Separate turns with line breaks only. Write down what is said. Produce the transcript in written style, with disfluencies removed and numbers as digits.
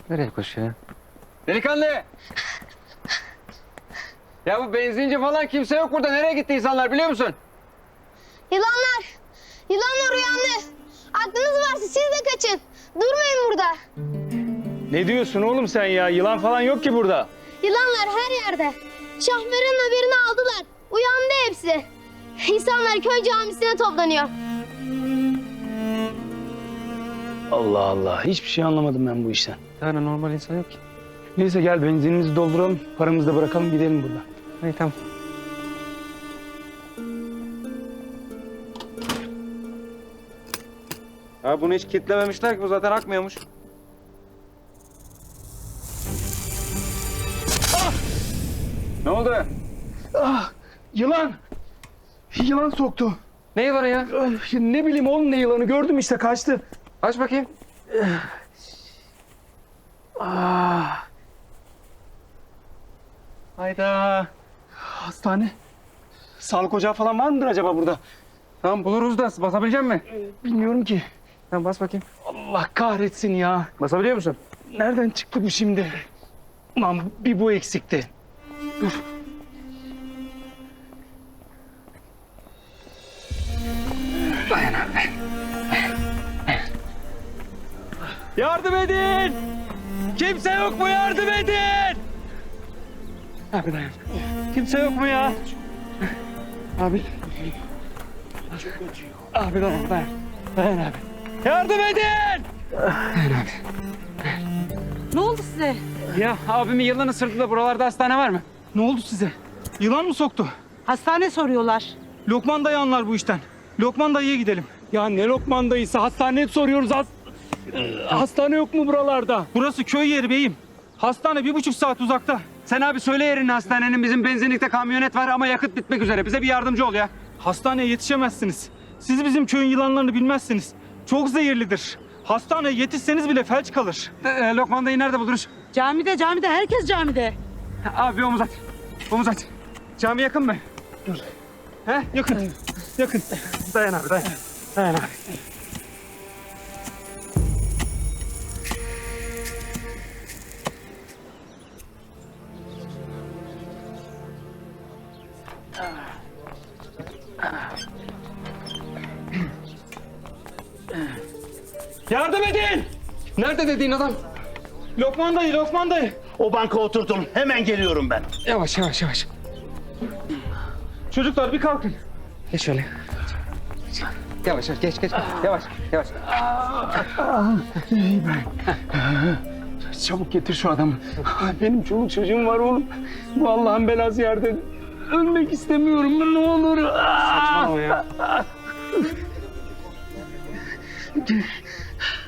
Nereye koşuyor? Delikanlı! Ya bu benzinci falan kimse yok burada. Nereye gitti insanlar biliyor musun?
Yılanlar! Yılanlar uyandı. Aklınız varsa siz de kaçın. Durmayın burada.
Ne diyorsun oğlum sen ya? Yılan falan yok ki burada.
Yılanlar her yerde. Şahmeran'ın haberini aldılar. Uyandı hepsi. İnsanlar köy camisine toplanıyor.
Allah Allah. Hiçbir şey anlamadım ben bu işten.
Bir tane normal insan yok ki.
Neyse gel benzinimizi dolduralım. Paramızı da bırakalım gidelim buradan.
İyi tamam. Ha bunu hiç kilitlememişler ki bu zaten akmıyormuş. Ne oldu?
Ah! Yılan! Yılan soktu.
Ne yılanı ya?
Ne bileyim oğlum ne yılanı gördüm işte kaçtı.
Aç bakayım.
Ah!
Hayda.
Hastane. Sağlık ocağı falan var mıdır acaba burada?
Tamam buluruz da basabilecek misin?
Bilmiyorum ki.
Tamam bas bakayım.
Allah kahretsin ya.
Basabiliyor musun?
Nereden çıktı bu şimdi? Ulan bir bu eksikti. Dur.
Dayan abi.
Yardım edin! Kimse yok mu yardım edin?
Abi dayan.
Kimse yok mu ya?
Abi. Abi dayan dayan. Dayan abi.
Yardım edin!
Dayan abi.
Ne oldu size?
Ya abimin yılan ısırdı da buralarda hastane var mı?
Ne oldu size? Yılan mı soktu?
Hastane soruyorlar.
Lokman dayı anlar bu işten. Lokman dayıya gidelim. Ya ne Lokman dayısı? Hastaneye soruyoruz. Hastane yok mu buralarda? Burası köy yeri beyim. Hastane 1,5 saat uzakta.
Sen abi söyle yerini hastanenin. Bizim benzinlikte kamyonet var ama yakıt bitmek üzere. Bize bir yardımcı ol ya.
Hastaneye yetişemezsiniz. Siz bizim köyün yılanlarını bilmezsiniz. Çok zehirlidir. Hastaneye yetişseniz bile felç kalır.
Lokman dayı nerede buluruz?
Camide, herkes camide.
Abi bir omuz at. Omuz at. Cami yakın mı?
He? Yakın. Yakın.
Dayan abi dayan. Dayan abi.
Yardım edin!
Nerede dediğin adam?
Lokman dayı, Lokman dayı.
O banka oturdum. Hemen geliyorum ben.
Yavaş yavaş yavaş.
Çocuklar bir kalkın.
Geç şöyle. Yavaş yavaş geç geç. Yavaş yavaş.
İyi ben. Çabuk getir şu adamı. Benim çoluk çocuğum var oğlum. Bu Allah'ın belası yerde. Ölmek istemiyorum ne olur.
Saçmalama ya.